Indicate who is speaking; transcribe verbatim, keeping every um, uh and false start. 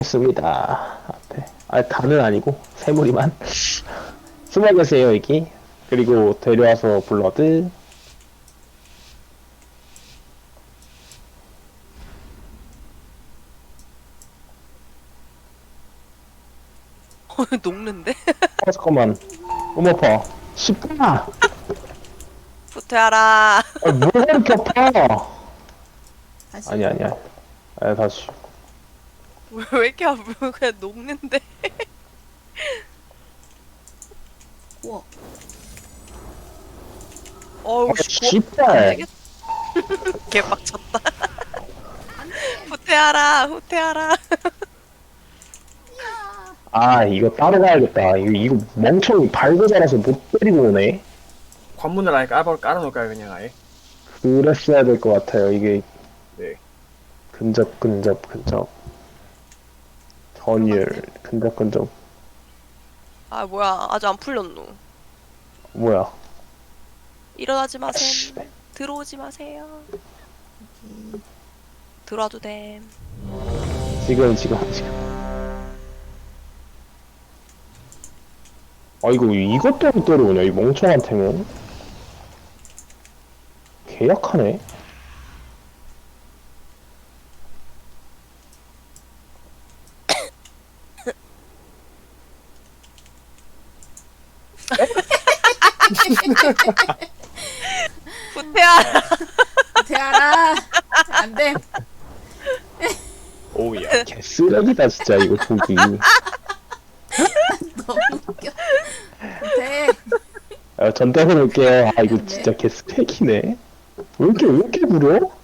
Speaker 1: 있습니다. 앞에. 아, 다는 아니고, 세무리만. 숨어 계세요, 여기. 그리고 데려와서 블러드.
Speaker 2: 어, 녹는데?
Speaker 1: 어, 잠깐만. 어머파. 쉽구나.
Speaker 2: 후퇴하라.
Speaker 1: 아, 뭘 그렇게 아파.
Speaker 3: 다시.
Speaker 1: 아니, 아니야. 아, 다시.
Speaker 2: 왜, 왜 이렇게 아프고 그냥 녹는데?
Speaker 3: 우와.
Speaker 2: 어우,
Speaker 1: 아,
Speaker 2: 씨, 고...
Speaker 1: 씨발.
Speaker 2: 개빡쳤다. 후퇴하라, 후퇴하라.
Speaker 1: 아, 이거 따로 가야겠다. 이거, 이거 멍청이 발고 자라서 못 때리고 오네.
Speaker 4: 관문을 아예 깔아, 깔아놓을까요, 그냥 아예?
Speaker 1: 그랬어야 될 것 같아요. 이게
Speaker 4: 네.
Speaker 1: 근접, 근접, 근접. 전율, 근접, 근접.
Speaker 2: 아, 뭐야. 아직 안 풀렸노.
Speaker 1: 뭐야.
Speaker 2: 일어나지
Speaker 1: 아,
Speaker 2: 마셈.
Speaker 1: 씨.
Speaker 2: 들어오지 마세요. 들어와도 됨.
Speaker 1: 지금, 지금, 지금. 아, 이거, 이것 때문에 때려오냐, 이 멍청한 템은. 개약하네.
Speaker 2: 후퇴하라.
Speaker 3: 대하라. 안 돼.
Speaker 4: 오우야.
Speaker 1: 개쓰레기다, 진짜, 이거 보기.
Speaker 3: 너무 웃겨. 대.
Speaker 1: 아, 전 떼어놓을게요. 아, 이거 진짜 개스펙이네. 왜 이렇게, 왜 이렇게 부려?